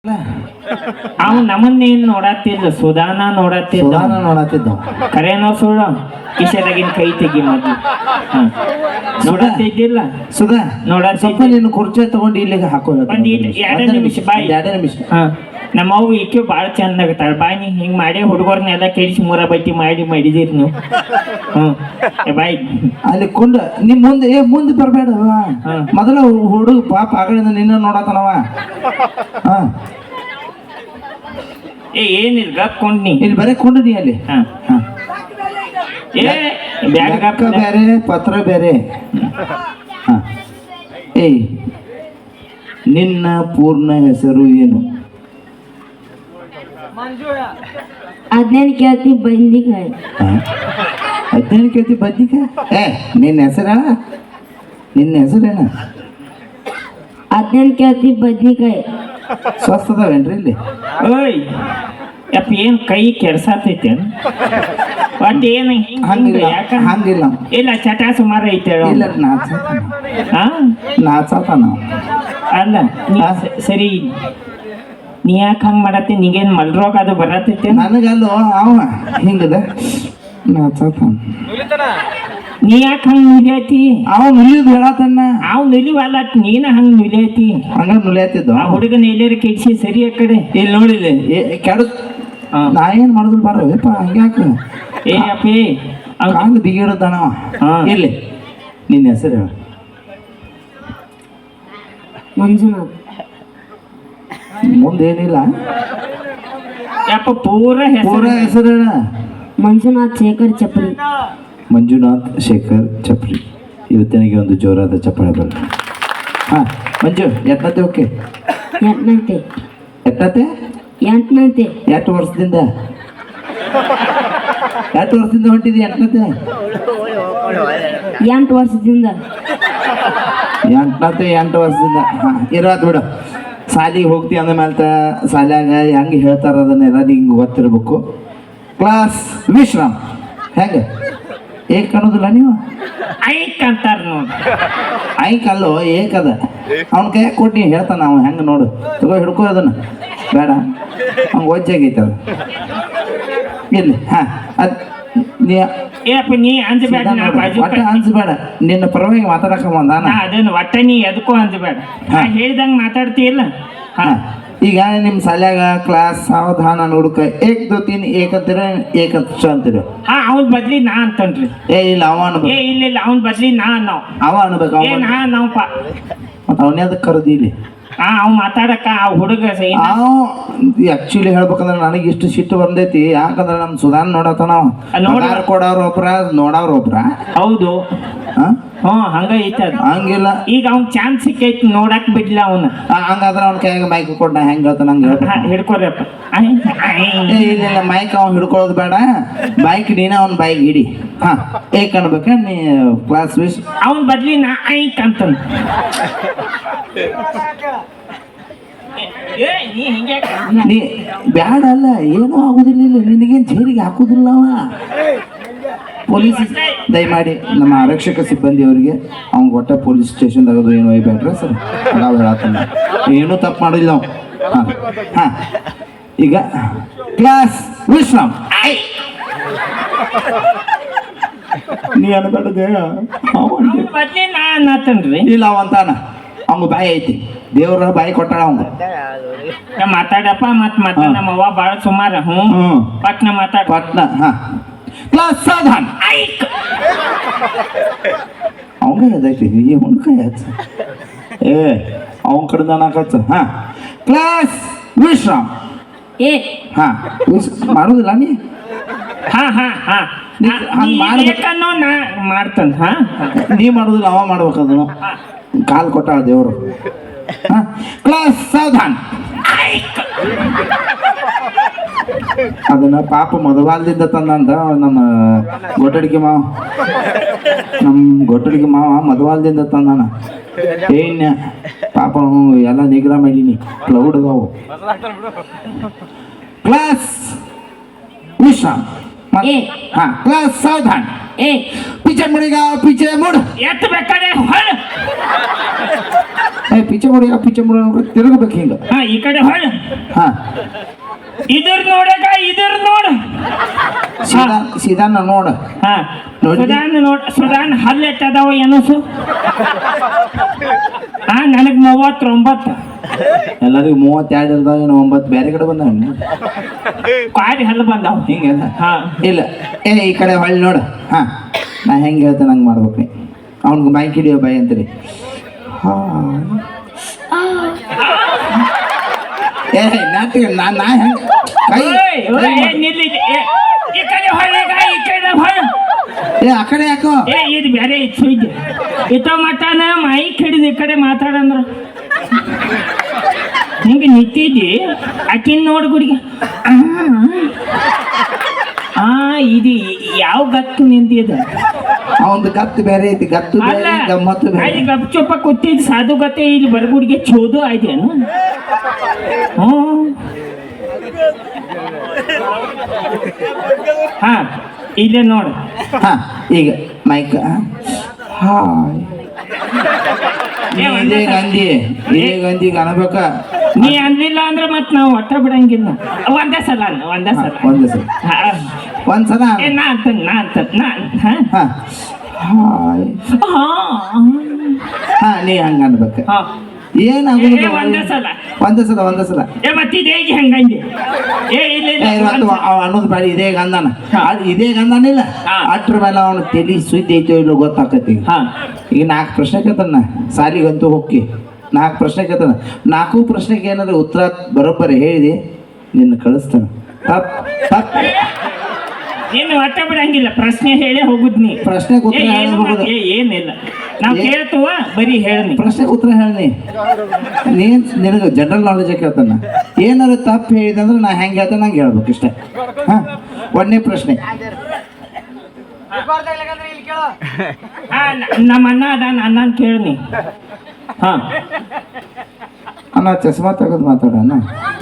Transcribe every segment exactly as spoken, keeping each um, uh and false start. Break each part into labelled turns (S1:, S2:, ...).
S1: ಅವ್ ನಮ್ಮನ್ನೇನ್ ನೋಡತ್ತಿಲ್ಲ ಸುಧಾನ ನೋಡತ್ತಿದ್ದ
S2: ಸುಧಾನ ನೋಡತ್ತಿದ್ದ
S1: ಕರೇನೋ ಸುಳ್ಳು ಕಿಶೆದಾಗಿನ ಕೈ ತೆಗಿ ಮೊದ್ಲು ನೋಡತ್ತಿದ್ದಿಲ್ಲ
S2: ಸುಧಾ
S1: ನೋಡತ್ತಿದ್ದ
S2: ಸ್ವಲ್ಪ ನೀನು ಕುರ್ಚಿ ತಗೊಂಡು ಇಲ್ಲಿಗೆ ಹಾಕೋ
S1: ಒಂದ್ ಎರಡೇ ನಿಮಿಷ ಬಾಯ್
S2: ಎರಡೇ ನಿಮಿಷ
S1: ಹಾ ನಮ್ಮ ಅವು ಈಕೆ ಭಾಳ ಚಂದ ಆಗತ್ತಾಳ ಬಾಯ್ ನೀ ಹಿಂಗ್ ಮಾಡಿ ಹುಡುಗರ್ನೆಲ್ಲ ಕೆಡಿಸಿ ಮೂರ ಬಟ್ಟಿ ಮಾಡಿ ಮಾಡಿದಿರಿ ನೀವು ಹ್ಮ್ ಬಾಯ್
S2: ಅಲ್ಲಿ ಕುಂಡ ನೀ ಮುಂದೆ ಏ ಮುಂದೆ ಬರಬೇಡ ಮೊದಲ ಹುಡುಗ ಪಾಪ ಆಗಳಿಂದ ನಿನ್ನ ನೋಡತನವ ಹಾ
S1: ಏ ಏನಿಲ್ಲ ಗಪ್ಕೊಂಡ್ ನೀ
S2: ಇಲ್ಲಿ ಬರೀ ಕುಂಡ ನೀ ಅಲ್ಲಿ
S1: ಹಾ
S2: ಹಾ
S1: ಏ ಬ್ಯಾಗ್
S2: ಲೆಕ್ಕ ಬೇರೆ ಪತ್ರ ಬೇರೆ ಹಾ ಏಯ್ ನಿನ್ನ ಪೂರ್ಣ ಹೆಸರು ಏನು?
S3: ಹದಿನೈದು ಕೇಳ್ತಿ ಬಂದಿಕಾಯಿ
S2: ಹದಿನೈದು ಕೇಳ್ತಿ ಬದ್ನಿಕಾಯಿ ಏ ನಿನ್ನ ಹೆಸರ ನಿನ್ನ ಹೆಸರೇನ?
S3: ಹದಿನೈದು ಕೇಳ್ತಿ ಬದ್ನಿಕಾಯಿ
S2: ಸ್ವಸ್ಥ ಅದಾವೇನ್ರಿ ಇಲ್ಲಿ?
S1: ಓಯ್ ಯಪ್ಪ ಏನ್ ಕೈ ಕೆಡ್ಸಾತೈತೆ ಒಟ್ಟು ಏನು ಹಿಂಗ
S2: ಹಂಗಿಲ್ಲ
S1: ಯಾಕ
S2: ಹಂಗಿಲ್ಲ
S1: ಇಲ್ಲ ಚಟ ಸುಮಾರು ಐತೆ
S2: ಇಲ್ಲ ನಾಚ
S1: ಹಾ
S2: ನಾಚಾತ ನಾವು
S1: ಅಲ್ಲ ನೀ ಸ- ಸರಿ ನೀ ಯಾಕೆ ಹಂಗ್ ಮಾಡತ್ತಿ ನಿಗೇನ್ ಮಲ್ರೋಗ ಅದು ಬರತೈತೆ
S2: ನನಗಲ್ಲೋ ಅವ ಹಿಂಗದ ನಾಚಾತ
S1: ನೀ ಯಾಕೆ ಹಂಗ್ ನುಲಿಯತಿ
S2: ಅವ ನುಲಿದ್ ಹೇಳತನ್ನ
S1: ಅವ್ ನುಲಿವಲ್ಲ ನೀನ ಹಂಗ್ ನುಲಿಯತಿ
S2: ಹಂಗ ನುಲಿಯತ್ತಿದ್ದು
S1: ಆ ಹುಡುಗನ ಎಲ್ಲಾರ ಕೆಡ್ಸಿ ಸರಿ ಆ ಕಡೆ
S2: ಇಲ್ಲಿ ನೋಡಿಲಿ ಕೆಡ
S1: ಹಾ.
S2: ನಾ ಏನ್ ಮಾಡಿದ್ರು ಬಾರಪ್ಪ ಹಂಗ್ಯಾಕ
S1: ಏ ಅಪ್ಪಿ ಅವ್
S2: ಕಾಲು ಬಿಗಿಡದನವ
S1: ಹಾ.
S2: ಇಲ್ಲಿ ನಿನ್ನ ಹೆಸರು ಹೇಳ
S3: ಮಂಜುನಾಥ್
S2: ಮುಂದೇನಿಲ್ಲ
S1: ಯಪ್ಪ ಪೂರ
S2: ಪೂರ
S1: ಹೆಸರು
S2: ಹೆಸರು ಹೇಳ
S3: ಮಂಜುನಾಥ್ ಶೇಖರ್ ಚಪ್ರಿ
S2: ಮಂಜುನಾಥ್ ಶೇಖರ್ ಚಪ್ರಿ ಇವತ್ತಿನಿಗೆ ಒಂದು ಜೋರಾದ ಚಪ್ಪಾಳೆ ಬರ ಹಾ ಮಂಜು ಎಟ್ಟತ್ತೆ ಓಕೆ
S3: ಎಂಟನಂತೆ
S2: ಎಟ್ಟತ್ತೆ
S3: ಎಂಟನಂತೆ
S2: ಎಷ್ಟು ವರ್ಷದಿಂದ ಎಷ್ಟು ವರ್ಷದಿಂದ ಹೊಂಟಿದಿ ಎಂಟನತ್ತೆ
S3: ಎಂಟು ವರ್ಷದಿಂದ
S2: ಎಂಟನತ್ತೆ ಎಂಟು ವರ್ಷದಿಂದ ಹಾಂ ಇರೋದು ಬಿಡು ಶಾಲಿಗೆ ಹೋಗ್ತಿ ಅಂದ ಮೇಲೆ ಶಾಲ್ಯಾಗ ಹೆಂಗೆ ಹೇಳ್ತಾರ ಅದನ್ನೆಲ್ಲ ನಿಂಗೆ ಗೊತ್ತಿರ್ಬೇಕು ಕ್ಲಾಸ್ ವಿಶ್ರಾಮ್ ಹೆಂಗೆ ಏಕ್ ಅನ್ನೋದಿಲ್ಲ ನೀವು
S1: ಐಕ್ ಅಂತಾರ ನೋಡ್ರಿ
S2: ಐಕ್ ಅಲ್ಲೋ ಏಕದ ಅವ್ನ ಕೈ ಕೊಟ್ಟು ಹೇಳ್ತಾನ ಅವ ಹೆಂಗೆ ನೋಡು ತಗೋ ಹಿಡ್ಕೋ ಅದನ್ನ ಬೇಡ ಅವ್ನು ಒಜ್ಜಾಗೈತೆ ಅದು ಇಲ್ಲಿ ಹಾಂ ಅದು ನೀ
S1: ಏ ಅಪ್ಪ ನೀ ಅಂಜಬೇಡ ನಾ ಬಾಜು
S2: ಒಟ್ಟ ಅನ್ಸ್ಬೇಡ ನಿನ್ನ ಪರವಾಗಿ ಮಾತಾಡಕ ಬಂದಾನ
S1: ನಾ ಅದನ್ನ ಒಟ್ಟ ನೀ ಎದಕ್ಕೂ ಅಂಜಬೇಡ ನಾ ಹೇಳ್ದಂಗ ಮಾತಾಡ್ತೀಯಲ್ಲ ಹಾ
S2: ಹಾ. ಈಗ ನಿಮ್ಮ ಶಾಲ್ಯಾಗ ಕ್ಲಾಸ್ ಸಾವಧಾನ ನೋಡ್ಕ ಏಕ್ ದೋ ತೀನ್ ಏಕ್ ಅಂತೀರ ಏಕ್ ಅಂತ ಅಂತೀರ
S1: ಹಾ ಅವ್ನ ಬದ್ಲಿ ನಾ ಅಂತನ್ರಿ
S2: ಏ ಇಲ್ಲ ಅವ ಅನ್ಬೇಕು
S1: ಏ ಇಲ್ಲ ಇಲ್ಲ ಅವ್ನ ಬದ್ಲಿ ನಾ ನಾವ್
S2: ಅವ ಅನ್ಬೇಕು
S1: ಏ
S2: ಅವ
S1: ನಾ ನಾವ್ಪ
S2: ಮತ್ತೆ ಅವನೇ ಅದಕ್ಕೆ ಕರೆದಿ ಇಲ್ಲಿ
S1: ಹಾ ಅವ್ ಮಾತಾಡಕ ಆ ಹುಡುಗ ಸೈ
S2: ಅವ ಆಕ್ಚುಲಿ ಹೇಳ್ಬೇಕಂದ್ರೆ ನನಗೆ ಇಷ್ಟು ಸಿಟ್ಟು ಬಂದೈತಿ ಯಾಕಂದ್ರೆ ನಮ್ಮ ಸುಧಾನ್ ನೋಡತನ
S1: ನೋಡ-
S2: ಪಗಾರ ಕೊಡೋರು ಒಬ್ರ ನೋಡೋರು ಒಬ್ರ
S1: ಹೌದು
S2: ಹಾ
S1: ಹ್ಮ್ ಹಂಗ ಐತೆ ಅದು
S2: ಹಂಗಿಲ್ಲ
S1: ಈಗ ಅವ್ನ್ ಚಾನ್ಸ್ ಸಿಕ್ಕೈತಿ ನೋಡಕ್ ಬಿಡ್ಲ ಅವನ
S2: ಆ, ಹಂಗಾದ್ರೆ ಅವ್ನ ಕೈಯಾಗ ಮೈಕ್ ಕೊಟ್ಟು ನಾ ಹೆಂಗೆ ಹೇಳ್ತಾನೆ ಹಂಗೆ ಹೇಳ್ಬೇಕು
S1: ಹಿಡ್ಕೊರಪ್ಪ
S2: ಏ ಇಲ್ಲ ಇಲ್ಲ ಮೈಕ್ ಅವ್ನು ಹಿಡ್ಕೊಳ್ಳೋದು ಬೇಡ ಬೈಕ್ ನೀನ ಅವ್ನ ಬೈಕ್ ಹಿಡಿ ಹಾ ಏಕ್ ಅನ್ಬೇಕ ನೀ ಕ್ಲಾಸ್ ವಿಶ್
S1: ಅವನ್ ಬದ್ಲಿ ನಾ ಐಕ್ ಅಂತನ್ ಏ ನೀ ಹಿಂಗೆ
S2: ನೀ ಬ್ಯಾಡ ಅಲ್ಲ ಏನೂ ಆಗುದಿಲ್ಲ ಇಲ್ಲ ನಿನಗೇನು ಜೈಲಿಗೆ ಹಾಕುದಿಲ್ಲ ಅವ ಪೊಲೀಸ್ ದಯಮಾಡಿ ನಮ್ಮ ಆರಕ್ಷಕ ಸಿಬ್ಬಂದಿಯವರಿಗೆ ಅವ್ನು ಒಟ್ಟ ಪೊಲೀಸ್ ಸ್ಟೇಷನ್ದಾಗ ಅದು ಏನು ಒಯ್ಬೇಡ್ರ ಸರ್ ನಾವು ಹೇಳತ್ತಾನ ಏನೂ ತಪ್ಪು ಮಾಡಿಲ್ಲ ನಾವು ಹಾಂ ಹಾಂ ಈಗ ಕ್ಲಾಸ್ ವಿಶ್ರಾಮ್
S1: ಐ
S2: ನೀ ಅನ್ಬೇಡದೆ
S1: ಅವ್ನ್ ಬದ್ಲಿ ನಾ ಅನ್ನತನ್ರಿ
S2: ಇಲ್ಲ ಅವಂತಾನ ಅವ್ನು ಬಾಯಿ ಐತಿ ದೇವ್ರ ಬಾಯಿ ಕೊಟ್ಟಾಳ ಅವ್ನು
S1: ನಾ ಮಾತಾಡಪ್ಪ ಮತ್ ಮತ್ತ ನಮ್ಮ ಅವ್ವ ಬಾಳ ಸುಮಾರ ಹ್ಞೂ
S2: ಹ್ಞೂ
S1: ಪಟ್ನ ಮಾತಾಡ
S2: ಪಟ್ನ ಹಾಂ ಕ್ಲಾಸ್ ಸಾಧಾನ್
S1: ಐಕ್
S2: ಅವಂಗ ಅದೈತಿ ಈ ಹುಣ್ಕಾಯಿ ಹಚ್ಚ ಏ ಅವನ ಕಡೆದ ನಾಕಚ್ಚ ಹಾಂ ಕ್ಲಾಸ್ ವಿಶ್ರಾಮ್
S3: ಏ
S2: ಹಾಂ ವಿಶ್ ಮಾಡೋದಿಲ್ಲ ನೀ
S1: ಹಾ ಹಾ ಹಾ
S2: ನೀ ಹಂಗ್ ಮಾಡ್ಬೇಕು.
S1: ಬೇಕನ್ನೋ ನಾ ಮಾಡ್ತಾನ ಹಾ
S2: ನೀ ಮಾಡೋದಿಲ್ಲ ಅವ ಮಾಡ್ಬೇಕು ಅದನ್ನು ಕಾಲು ಕೊಟ್ಟಾಳ ದೇವರು ಹಾಂ ಕ್ಲಾಸ್ ಸಾವಧಾನ್ ಅದನ್ನ ಪಾಪ ಮಧುವಾಲ್ದಿಂದ ತಂದಂತ ನಮ್ಮ ಗೊಟ್ಟಡಿಗೆ ಮಾವ ನಮ್ಮ ಗೊಟ್ಟಡಿಗೆ ಮಾವ ಮಧುವಾಲ್ದಿಂದ ತಂದಾನ ಏನ್ಯ ಪಾಪ ಅವ್ನು ಎಲ್ಲ ನಿಗ್ರಹ ಮಾಡೀನಿ ಕ್ಲೌಡ್ ಅದಾವು ಕ್ಲಾಸ್ ವಿಶ್ರಾಮ್
S3: ಏ
S2: हाँ क्लास सावधान
S3: ए
S2: पीछे मुड़ेगा पीछे मुड़
S1: ಎತ್ತ ಬೇಕಾರೆ ಹೊಳ
S2: ಏ ಪಿಚ್ಚೆ ಮುಡಿ ಆ ಪಿಚ್ಚೆ ಮುಡಿ ತಿರುಗಬೇಕು ಹಿಂಗ
S1: ಹಾ ಈ ಕಡೆ ಹೊಳ
S2: ಹಾ
S1: ಇದ್ರ ನೋಡಕ ಇದ್ರ ನೋಡ
S2: ಸೀದಾ ಸೀದಾನ ನೋಡ
S1: ಹಾ
S2: ನೋಡಿ.
S1: ಸುಧಾನ್ ನೋಡ ಸುಧಾನ್ ಹಲ್ಲು ಎಟ್ಟದಾವ ಏನಸು ಹಾ ನನಗ್ ಮೂವತ್ತೊಂಬತ್ತು
S2: ಎಲ್ಲರಿಗೂ ಮೂವತ್ತೆರಡು ಇರ್ತಾವ ಏನೋ ಒಂಬತ್ತು ಬೇರೆ ಕಡೆ ಬಂದ
S1: ಕಾಡಿ ಹಲ್ಲು ಬಂದಾವ
S2: ಹಿಂಗೆಲ್ಲ
S1: ಹಾ
S2: ಇಲ್ಲ ಏ ಈ ಕಡೆ ಹೊಳ್ಳಿ ನೋಡ ಹಾ ನಾ ಹೆಂಗೆ ಹೇಳ್ತೇನೆ ಹಂಗೆ ಮಾಡ್ಬೇಕು ನೀ ಅವ್ನಿಗೆ ಬೈಕ್ ಹಿಡಿಯೋ ಬೈ ಅಂತೀರಿ ಹಾ ಏ ನಾಟಿಗೆ ನಾ ನಾ ಹೆಂಗೆ ಕೈ
S1: ಓಯ್, ಓಯ್, ಏ, ನಿಲ್ಲಿ, ಏ, ಈ ಕಡೆ ಹೊಳ್ಳಿಗ ಈ ಕಡೆ ಹೊಳ
S2: ಏ ಆ ಕಡೆ ಯಾಕೋ
S1: ಏ ಇದು ಬೇರೆ ಇತ್ತು ಇದೆ ಇತ್ತ ಮಟನ ಮೈಕ್ ಹಿಡಿದು ಈ ಕಡೆ ಮಾತಾಡಂದ್ರ ಹಿಂಗೆ ನಿಂತಿದ್ದಿ ಆಕಿನ್ ನೋಡ್ ಗುಡಿಗೆ ಆ ಇದು ಯಾವ ಗತ್ತು ನಿಂತಿದೆ
S2: ಅವಂದು ಗತ್ತು ಬೇರೆ ಐತಿ ಗತ್ತು
S1: ಅಲ್ಲ
S2: ಬೇರೆ ಗಮ್ಮತ್ತು ಬೇರೆ
S1: ಅಲ್ಲಿ ಗಪ್ ಚೊಪ್ಪ ಕೂತಿದ್ ಸಾಧು ಗತ್ತೆ ಇಲ್ಲಿ ಬರಗುಡಿಗೆ ಚೋದು ಆಯ್ತೇನು ಹ್ಞೂ ಹಾ ಇಲ್ಲೇ ನೋಡು
S2: ಹಾ ಈಗ ಮೈಕ್ ಹಾಯ್ ನೀ ಇದೇ ಗಂಧಿ ಇದೇ ಗಂಧಿಗೆ ಅನ್ಬೇಕ
S1: ನೀ ಅನ್ಲಿಲ್ಲ ಅಂದ್ರೆ ಮತ್ ನಾವು ಒಟ್ಟ ಬಿಡಂಗಿಲ್ಲ ಒಂದೇ ಸಲ ಅಲ್ಲ, ಒಂದೇ ಸಲ
S2: ಒಂದು ಸಲ
S1: ಹಾ.
S2: ಒಂದ್ಸಲ
S1: ಏ, ನಾ ಅಂತ ನಾ ಅಂತ ನಾ ಹಾ
S2: ಹಾ ಹಾಯ್
S1: ಹಾ
S2: ಹಾ ನೀ ಹಂಗ ಅನ್ಬೇಕ
S1: ಹಾ.
S2: ಏನಾಗುದು
S1: ಏ, ಒಂದೇ ಸಲ
S2: ಒಂದೇ ಸಲ ಒಂದೇ ಸಲ
S1: ಏ ಮತ್ತೆ ಇದು ಹೇಗೆ ಹಂಗಂಗೆ ಏ ಇಲ್ಲ ಇಲ್ಲ
S2: ಏ, ಇವತ್ತು
S1: ಒಂದ್-
S2: ಅವ ಅನ್ನೋದು ಬೇಡ ಇದೇ ಗಂಧನ ಅದ್ ಇದೇ ಗಂಧನಿಲ್ಲ
S1: ಹಾ.
S2: ಅಟ್ರ ಮೇಲೆ ಅವನು ತಲಿ ಸುದ್ದಿ ಐತೋ ಇಲ್ಲೋ ಗೊತ್ತಾಕತಿ
S1: ಹಾ
S2: ಈಗ ನಾಲ್ಕು ಪ್ರಶ್ನೆ ಕೇಳ್ತಾನ ಸಾಲಿಗಂತೂ ಹೋಗಿ ನಾಲ್ಕು ಪ್ರಶ್ನೆ ಕೇಳ್ತಾನ ನಾಲ್ಕು ಪ್ರಶ್ನೆಗೆ ಏನಾದ್ರು ಉತ್ತರ ಬರೋಬ್ಬರಿ ಹೇಳಿದೆ ನಿನ್ನ ಕಳಿಸ್ತಾನ ತಪ್ ತಪ್
S1: ನೀನು ಒಟ್ಟ ಬಿಡಂಗಿಲ್ಲ ಪ್ರಶ್ನೆ ಹೇಳೇ ಹೋಗುದ್ ನೀ
S2: ಪ್ರಶ್ನೆಗೆ
S1: ಏ,
S2: ಉತ್ತರ
S1: ಏನು
S2: ಹೇಳಿ
S1: ಮಾಡ್- ಏ, ಏನಿಲ್ಲ ನಾವ್
S2: ಏ-
S1: ಕೇಳ್ತವ ಬರೀ ಹೇಳಿ
S2: ಪ್ರಶ್ನೆಗೆ ಉತ್ತರ ಹೇಳಿ ನೀನ್ ನಿನಗೆ ಜನರಲ್ ನಾಲೆಜ್ ಕೇಳ್ತಾನ ಏನಾದ್ರು ತಪ್ಪು ಹೇಳಿದೆ ಅಂದ್ರೆ ನಾ ಹೆಂಗೆ ಹೇಳ್ತಾನೆ ನಂಗೆ ಹೇಳ್ಬೇಕು ಇಷ್ಟೇ ಹಾ ಒಂದನೇ ಪ್ರಶ್ನೆ
S1: ಹಾ ನ- ನಮ್ಮ ಅಣ್ಣ ಅದಾನ ಅಣ್ಣನ್ ಕೇಳಿ ಹಾ
S2: ಅಣ್ಣ ಚಸ್ಮಾ ತೆಗೆದು ಮಾತಾಡೋಣ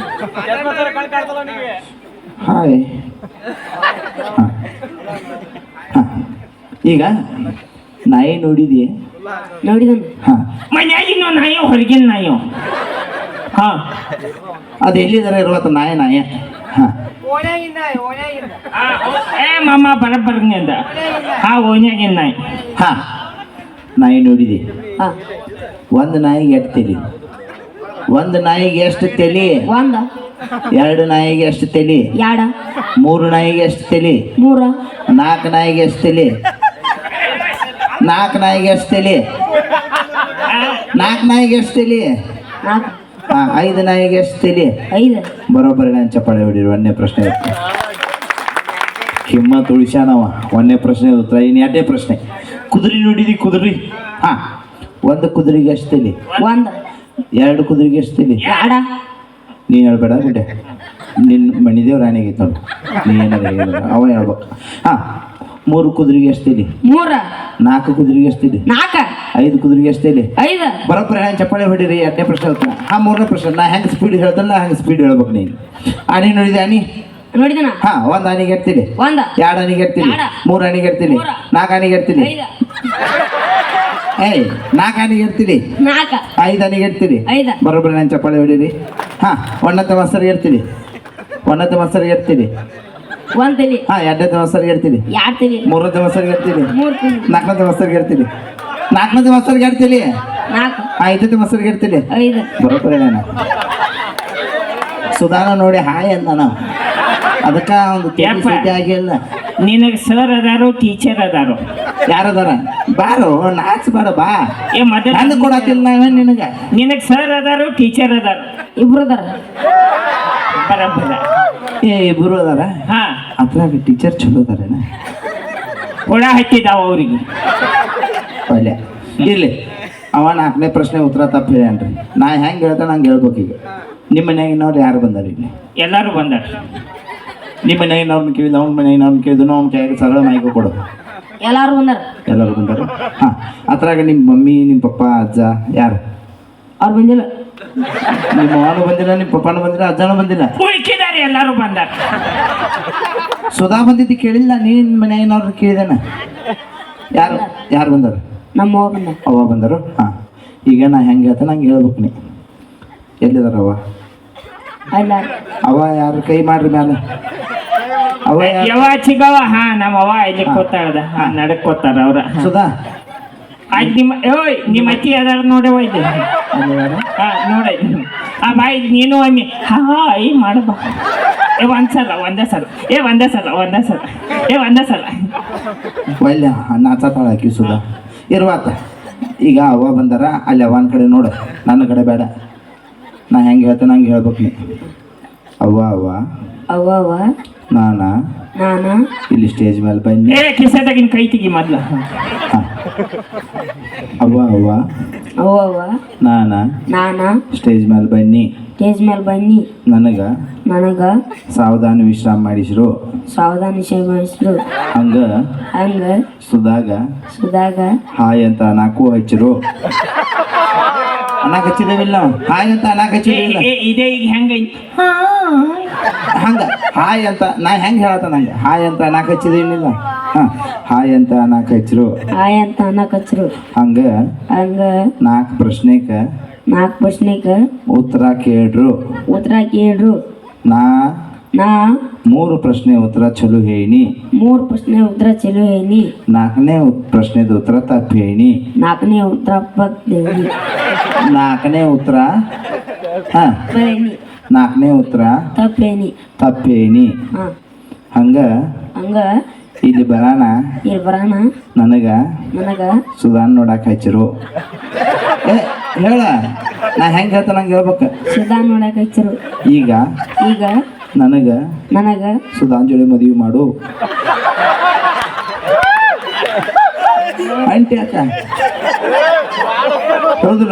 S2: ಹಾಯ್ ಹಾ. ಹಾ. ಈಗ ನಾಯಿ ನೋಡಿದಿ
S3: ನೋಡಿದನು
S2: ಹಾ
S1: ಮನ್ಯಾಗಿನ ನಾಯೋ ಹೊರಗಿನ ನಾಯೋ ಹಾ
S2: ಅದು ಎಲ್ಲಿದಾರೆ ಇರುವತ್ತ ನಾಯಿ ನಾಯ ಹಾ
S1: ಆ, ಹೌದ್. ಏ ಮಾಮ ಬರಬ್ಬರ್ನಿ ಅಂದ ಹಾ ಓನ್ಯಾಗಿನ ನಾಯಿ
S2: ಹಾ ನಾಯಿ ನೋಡಿದಿ
S3: ಹಾ
S2: ಒಂದು ನಾಯಿಗೆ ಎಷ್ಟು ತಲಿ ಒಂದು ನಾಯಿಗೆ ಎಷ್ಟು ತಲಿ
S3: ಒಂದ
S2: ಎರಡು ನಾಯಿಗೆ ಎಷ್ಟು ತಲಿ
S3: ಯಾಡ
S2: ಮೂರು ನಾಯಿಗೆ ಎಷ್ಟು ತಲಿ
S3: ಮೂರ
S2: ನಾಲ್ಕು ನಾಯಿಗೆ ಎಷ್ಟು ತಲಿ ನಾಲ್ಕು ನಾಯಿಗೆ ಎಷ್ಟು ತಲಿ ನಾಲ್ಕು ನಾಯಿಗೆ ಎಷ್ಟು ತಲಿ
S3: ನಾಲ್ಕು
S2: ಹಾ ಐದು ನಾಯಿಗೆ ಎಷ್ಟು ತಲಿ
S3: ಐದು
S2: ಬರೋಬ್ಬರಿ ನಾನು ಚಪ್ಪಾಳೆ ಹೊಡಿರಿ ಒಂದನೇ ಪ್ರಶ್ನೆ ಹಿಮ್ಮತ್ ಉಳಿಸ್ಯಾನವ ಒಂದನೇ ಪ್ರಶ್ನೆ ಉತ್ತರ ಇನ್ನು ಎರಡನೇ ಪ್ರಶ್ನೆ ಕುದುರೆ ನೋಡಿದಿ ಕುದುರೆ ಹಾ ಒಂದು ಕುದುರೆಗೆ ಎಷ್ಟು ತಲಿ
S3: ಒಂದ
S2: ಎರಡು ಕುದುರೆಗೆ ಎಷ್ಟು ತಲಿ
S3: ಯಾಡ
S2: ನೀ ಹೇಳ್ಬೇಡ ಬಿಟ್ಟೆ ನಿನ್ನ ಮಣಿದೇವ್ ರಾಣಿಗೆ ನೋಡು ನೀ ಏನಾರ ಹೇಳಿಲ್ಲ ಅವ ಹೇಳ್ಬೇಕು ಹಾ ಮೂರು ಕುದುರೆಗೆ ಎಷ್ಟು ತಲಿ
S3: ಮೂರ
S2: ನಾಲ್ಕು ಕುದುರೆಗೆ ಎಷ್ಟು ತಲಿ
S3: ನಾಲ್ಕ
S2: ಐದು ಕುದುರೆಗೆ ಎಷ್ಟು ತಲಿ
S3: ಐದ
S2: ಬರೋಬ್ಬರಿ ಹೆಂಗೆ ಚಪ್ಪಾಳೆ ಹೊಡಿರಿ ಎರಡನೇ ಪ್ರಶ್ನೆ ಉತ್ತರ ಹಾ ಮೂರನೇ ಪ್ರಶ್ನೆ ನಾ ಹೆಂಗೆ ಸ್ಪೀಡ್ ಹೇಳ್ತಲ್ಲ ಹಂಗೆ ಸ್ಪೀಡ್ ಹೇಳ್ಬೇಕು ನೀನು ಆನಿ ನೋಡಿದೆ ಆನಿ
S3: ನೋಡಿದನ
S2: ಹಾ ಒಂದು ಆನಿಗೆ ಎಡ್ತೀನಿ
S3: ಒಂದ
S2: ಎರಡು ಆನಿಗೆ ಎಡ್ತೀನಿ
S3: ಎರಡ.
S2: ಮೂರು ಆನಿಗೆ ಎಡ್ತೀನಿ
S3: ಮೂರ.
S2: ನಾಲ್ಕು ಆನಿಗೆ ಎಡ್ತೀನಿ
S3: ಐದ
S2: ಏಯ್ ನಾಲ್ಕು ಆನಿಗೆ ಎಡ್ತೀನಿ
S3: ನಾಲ್ಕ
S2: ಐದು ಆನಿಗೆ ಎಡ್ತೀನಿ
S3: ಐದ
S2: ಬರೋಬ್ಬರಿ ನಾನು ಚಪ್ಪಾಳೆ ಹೊಡೀರಿ ಹಾ ಒಂದನೇ ಮಾಸ್ತರಿಗೆ ಇರ್ತೀನಿ ಒಂದನೇ ಮಾಸ್ತರಿಗೆ ಇರ್ತೀನಿ
S3: ಒಂದ್ ತಲಿ
S2: ಹಾ ಎರಡನೇ ಮಾಸ್ತರಿಗೆ ಇರ್ತೀನಿ
S3: ಯಾಡ್ ತಲಿ
S2: ಮೂರನೇ ಮಾಸ್ತರಿಗೆ ಇರ್ತೀನಿ
S3: ಮೂರ್ ತಲಿ
S2: ನಾಲ್ಕನೇ ಮಾಸ್ತರಿಗೆ ಇರ್ತೀನಿ ನಾಲ್ಕನೇ ಮಾಸ್ತರಿಗೆ ಇರ್ತೀನಿ
S3: ನಾಲ್ಕು
S2: ಐದನೇ ಮಾಸ್ತರಿಗೆ ಇರ್ತೀನಿ
S3: ಐದು
S2: ಬರೋಬ್ಬರಿ ನಾನು ಸುಧಾನ ನೋಡಿ ಹಾಯ್ ಅಂದ ನಾವು ಅದಕ್ಕೆ ಒಂದು
S1: ಯಪ್ಪ.
S2: ಸುದ್ದಿ ಆಗಿಲ್ಲ
S1: ನಿನಗೆ ಸರ್ ಅದಾರೋ ಟೀಚರ್ ಅದಾರೋ
S2: ಯಾರದಾರ ಬಾರೋ ನಾಚ್ ಬಾರ ಬಾ
S1: ಏ ಮೊದಲ
S2: ನನ್ನ ಕೊಡತಿಲ್ಲ ನಾವೇನ್ ನಿನಗ
S1: ನಿನಗೆ ಸರ್ ಅದಾರೋ ಟೀಚರ್ ಅದಾರೋ
S3: ಇಬ್ರು ಅದಾರ
S1: ಬರಬ್ಬರ
S2: ಏ ಇಬ್ರು ಅದಾರ
S1: ಹಾ
S2: ಅದ್ರಾಗ ಟೀಚರ್ ಚಲೋ ಅದಾರೇನ
S1: ಹುಳ ಹತ್ತಿದಾವ ಅವ್ರಿಗೆ
S2: ಪಲ್ಯ ಇರ್ಲಿ ಅವ ನಾಲ್ಕನೇ ಪ್ರಶ್ನೆ ಉತ್ತರ ತಪ್ಪು ಹೇಳ್ಯಾನ್ರಿ ನಾ ಹೆಂಗೆ ಹೇಳ್ತಾನೆ ಹಂಗೆ ಹೇಳ್ಬೇಕು ಈಗ ನಿಮ್ಮ ಮನ್ಯಾಗಿನವ್ರು ಯಾರು ಬಂದಾರ ಇಲ್ಲಿ
S1: ಎಲ್ಲರೂ ಬಂದಾರ
S2: ನಿಮ್ಮ ಮನ್ಯಾಗಿನವ್ರನ್ನ ಕೇಳಿದ ಅವ್ನ ಮನ್ಯಾಗಿನವ್ರನ್ನ ಕೇಳಿದ್ರು ಅವ್ನ ಕೈಯಾಗ ಸರಳ ಮಾಹಿತಿ ಕೊಡು
S3: ಎಲ್ಲಾರು ಬಂದಾರ
S2: ಎಲ್ಲರೂ ಬಂದಾರ ಹಾಂ ಅದ್ರಾಗ ನಿಮ್ಮ ಮಮ್ಮಿ ನಿಮ್ಮ ಪಪ್ಪ ಅಜ್ಜ ಯಾರು
S3: ಅವ್ರು ಬಂದಿಲ್ಲ
S2: ನಿಮ್ಮ ಅವನು ಬಂದಿಲ್ಲ ನಿಮ್ಮ ಪಪ್ಪನೂ ಬಂದಿಲ್ಲ ಅಜ್ಜನೂ ಬಂದಿಲ್ಲ
S1: ಉಳ್ಕಿದಾರೆ ಎಲ್ಲರೂ ಬಂದಾರ
S2: ಸುಧಾ ಬಂದಿದ್ದು ಕೇಳಿಲ್ಲ ನೀನ್ ಮನ್ಯಾಗಿನವ್ರನ್ನ ಕೇಳಿದಾನ ಯಾರು ಯಾರು ಬಂದಾರ
S3: ನಮ್ಮ ಅವ್ವ ಬಂದ
S2: ಅವ ಬಂದರು ಹಾಂ ಈಗ ನಾ ಹೆಂಗೆ ಹೇಳ್ತೇನೆ ನಂಗೆ ಹೇಳ್ಬೇಕು ನೀ ಎಲ್ಲಿದಾರವ
S3: ಅಲ್ಲ
S2: ಅವ ಯಾರು ಕೈ ಮಾಡ್ರಿ ಮ್ಯಾಲ ಅವ ಯಾರು
S1: ಯವ ಚಿಗವ ಹಾ ನಮ್ಮ ಅವ್ವ ಇಲ್ಲಿ ಕೂತಾಳದ ಹಾ ನಡಕ್ ಕೂತಾರ ಅವ್ರ
S2: ಸುಧಾ
S1: ಆಯ್ತು ನಿಮ್ಮ ಓಯ್ ನಿಮ್ಮ ಅತ್ತಿ ಅದಾರ ನೋಡವ ಇದು ಹಾ ನೋಡ ಆ ಬಾಯ್ ನೀನು ಒಮ್ಮೆ ಹಾ ಐ ಮಾಡಬಾ ಏ ಒಂದ್ಸಲ ಒಂದೇ ಸಲ ಏ ಒಂದೇ ಸಲ ಒಂದೇ ಸಲ ಏ ಒಂದೇ ಸಲ
S2: ಒಳ್ಳೆ ನಾಚಾತಾಳ ಹಾಕಿ ಸುಧಾ ಇರುವಾತ ಈಗ ಅವ್ವ ಬಂದಾರ ಅಲ್ಲಿ ಅವನ ಕಡೆ ನೋಡು ನನ್ನ ಕಡೆ ಬೇಡ ನಾ ಹೆಂಗೆ ಹೇಳ್ತೇನೆ ಹಂಗೆ ಹೇಳ್ಬೇಕು ನೀ ಅವ್ವ ಅವ್ವ
S3: ಅವ್ವ ಅವ್ವ
S2: ನಾನ
S3: ನಾನ
S2: ಇಲ್ಲಿ ಸ್ಟೇಜ್ ಮೇಲೆ ಬನ್ನಿ
S1: ಏ ಕಿಸೆದಾಗಿನ ಕೈ ತೆಗಿ ಮೊದ್ಲ
S2: ಹಾ. ಅವ್ವ ಅವ್ವ
S3: ಅವ್ವ ಅವ್ವ
S2: ನಾನ
S3: ನಾನ
S2: ಸ್ಟೇಜ್ ಮೇಲೆ ಬನ್ನಿ
S3: ಸ್ಟೇಜ್ ಮೇಲೆ ಬನ್ನಿ
S2: ನನಗ
S3: ನನಗ
S2: ಸಾವಧಾನ ವಿಶ್ರಾಮ ಮಾಡಿಸ್ರು
S3: ಸಾವಧಾನ ವಿಷಯ ಮಾಡಿಸ್ರು
S2: ಹಂಗ
S3: ಹಂಗ
S2: ಸುಧಾಗ
S3: ಸುದಾಗ
S2: ಹಾಯ್ ಅಂತ ನಾಲ್ಕು ಹಚ್ಚಿರು ಅನ್ನಾಕ ಹಚ್ಚಿದೇವಿಲ್ಲ ಹಾಯ್ ಅಂತ ಅನ್ನಾಕ ಹಚ್ಚಿದೇವಿಲ್ಲ
S1: ಏ ಇದೇ ಈಗ ಹೆಂಗೈತಿ
S2: ಹಂಗ ಹಾಯ್ ಅಂತ ನಾ ಹೆಂಗೆ ಹೇಳತ್ತ ನಂಗೆ ಹಾಯ್ ಅಂತ ಅನ್ನಾಕ ಹಚ್ಚಿದೇನಿಲ್ಲ ಹಾ ಹಾಯ್ ಅಂತ ಅನ್ನಾಕ ಹಚ್ಚಿರು
S3: ಆಯ್ ಅಂತ ಅನ್ನಕ್ ಹಚ್ರು
S2: ಹಂಗ
S3: ಹಂಗ
S2: ನಾಲ್ಕು ಪ್ರಶ್ನೆಕ
S3: ನಾಲ್ಕು ಪ್ರಶ್ನೆಗ
S2: ಉತ್ತರ ಕೇಳ್ರು
S3: ಉತ್ತರ ಕೇಳ್ರು
S2: ನಾ
S3: ನಾ
S2: ಮೂರು ಪ್ರಶ್ನೆ ಉತ್ತರ ಚಲೋ ಹೇಳಿ
S3: ಮೂರು ಪ್ರಶ್ನೆ ಉತ್ತರ ಚಲೋ ಹೇಳಿ
S2: ನಾಲ್ಕನೇ ಪ್ರಶ್ನೆದ ಉತ್ತರ ತಪ್ಪು ಹೇಳಿ
S3: ನಾಲ್ಕನೇ ಉತ್ತರ ಪಕ್ಕೇಳಿ
S2: ನಾಲ್ಕನೇ ಉತ್ತರ ಹಾ
S3: ಬರೇನಿ
S2: ನಾಲ್ಕನೇ ಉತ್ತರ
S3: ತಪ್ಪೇನಿ
S2: ತಪ್ಪು ಹೇಳಿ
S3: ಹಾ
S2: ಹಂಗ
S3: ಹಂಗ
S2: ಇಲ್ಲಿ ಬರಾನ
S3: ಇಲ್ಲಿ ಬರೋಣ
S2: ನನಗ
S3: ನನಗ
S2: ಸುಧಾನ್ ನೋಡಕ್ ಹಚ್ಚಿರು ಏ ಹೇಳ ನಾ ಹೆಂಗೆ ಹೇಳ್ತ ನಂಗೆ ಹೇಳ್ಬೇಕ
S3: ಸುಧಾ ನೋಡಕ್ ಹಚ್ಚರು
S2: ಈಗ
S3: ಈಗ
S2: ನನಗ
S3: ನನಗ
S2: ಸುಧಾನ್ ಜೋಡಿ ಮದುವೆ ಮಾಡು ಅಂಟಿ ಅಕ್ಕ ಹೌದಿಲ್ಲ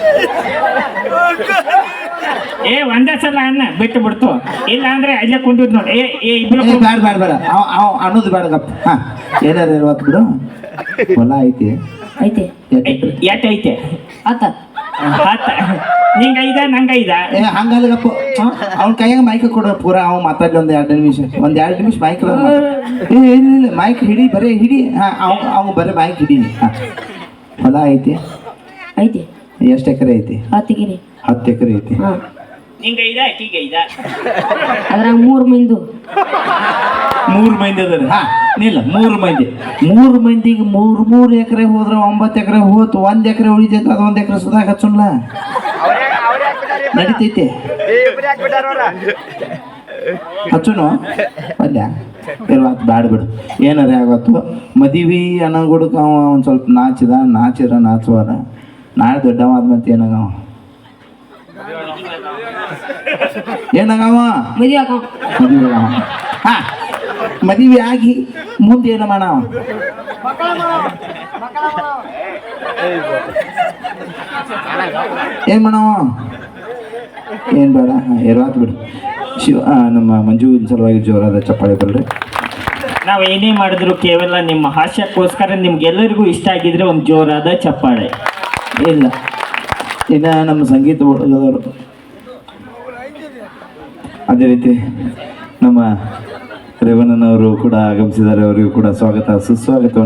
S1: ಏ ಒಂದೇ ಸಲ ಅನ್ನ ಬಿಟ್ಟು ಬಿಡ್ತು ಇಲ್ಲ ಅಂದ್ರೆ ಅಲ್ಲೇ ಕುಂತಿದ್ ನೋಡಿ ಏ ಏ ಇಬ್ರು
S2: ಏ ಬೇಡ ಬೇಡ ಬೇಡ ಅವ್ ಅವ್ ಅನ್ನೋದು ಬೇಡ ಗಪ್ಪ ಹಾ ಏನಾರ ಇರುವತ್ತು ಬಿಡು ಹೊಲ ಐತಿ
S3: ಐತೆ
S2: ಎಷ್ಟ್ ಎಕ್ರೆ?
S1: ಎಟ್ ಐತೆ
S3: ಆತ
S1: ಹತ್ತ ನಿಂಗ ಐದ ನಂಗ ಐದ
S2: ಏ ಹಂಗಲ್ಲ ಗಪ್ಪ ಅವ್ನ ಕೈಯಾಗ ಮೈಕ್ ಕೊಡು ಪೂರ ಅವ್ ಮಾತಾಡ್ಲಿ ಒಂದ್ ಎರಡು ನಿಮಿಷ ಒಂದ್ ಎರಡು ನಿಮಿಷ ಮೈಕ್ ಏ ಇಲ್ಲ ಇಲ್ಲ ಮೈಕ್ ಹಿಡಿ ಬರೀ ಹಿಡಿ ಹಾ ಅವ್ ಅವ್ ಬರೀ ಮೈಕ್ ಹಿಡಿ ಹಾ ಹೊಲ ಐತಿ
S3: ಐತೆ
S2: ಎಷ್ಟು ಎಕರೆ ಐತಿ
S3: ಹತ್ತಿಗಿರಿ
S2: ಹತ್ತು ಎಕರೆ ಐತಿ
S3: ಹಾ
S1: ನಿಂಗ ಐದ ಆಕಿಗೆ ಐದ
S3: ಅದ್ರಾಗ ಮೂರು ಮಂದು
S2: ಮೂರು ಮಂದಿ ಅದಾರ ಹಾ ನಿಲ್ಲ ಮೂರು ಮಂದಿ ಮೂರು ಮಂದಿಗೆ ಮೂರು ಮೂರು ಎಕರೆ ಹೋದ್ರೆ ಒಂಬತ್ತು ಎಕರೆ ಹೋತು ಒಂದ್ ಎಕರೆ ಉಳಿತೈತೆ ಅದು ಒಂದ್ ಎಕರೆ ಸುಧಾಗ ಹಚ್ಚುನ್ಲ ನಡಿತೈತೆ ಹಚ್ಚುನು ಅಲ್ಲ ಇರ್ವಾತ್ ಬ್ಯಾಡ ಬಿಡು ಏನಾರ ಆಗತ್ತು ಮದುವೆ ಅನ್ನೋಗುಡಕ ಅವ ಒಂದು ಸ್ವಲ್ಪ ನಾಚಿದ ನಾಚಿರ ನಾಚುವಾರ ನಾಳೆ ದೊಡ್ಡವ ಆದ್ಮಂತ ಏನಾಗವ ಏನಾಗವ
S3: ಮದುವೆ ಆಗ
S2: ಮದುವೆ ಆಗವ ಹಾ ಮದುವೆ ಆಗಿ ಮುಂದೆ ಏನು ಮಾಡವ ಏನ್ ಮಾಡವ ಏನ್ ಬೇಡ ಹಾ ಇರ್ವಾತ್ ಬಿಡು ಶಿವ ಆ, ನಮ್ಮ ಮಂಜು ಸಲುವಾಗಿ ಜೋರಾದ ಚಪ್ಪಾಳೆ ಬರ್ರಿ
S1: ನಾವು ಏನೇ ಮಾಡಿದ್ರು ಕೇವಲ ನಿಮ್ಮ ಹಾಸ್ಯಕ್ಕೋಸ್ಕರ ನಿಮ್ಗೆಲ್ಲರಿಗೂ ಇಷ್ಟ ಆಗಿದ್ರೆ ಒಂದು ಜೋರಾದ ಚಪ್ಪಾಳೆ.
S2: ಇಲ್ಲ ಇನ್ನು ನಮ್ಮ ಸಂಗೀತ ಹುಡುಗದವರು ಅದೇ ರೀತಿ ನಮ್ಮ ರೇವಣ್ಣನವರು ಕೂಡ ಆಗಮಿಸಿದ್ದಾರೆ ಅವರಿಗೂ ಕೂಡ ಸ್ವಾಗತ ಸುಸ್ವಾಗತ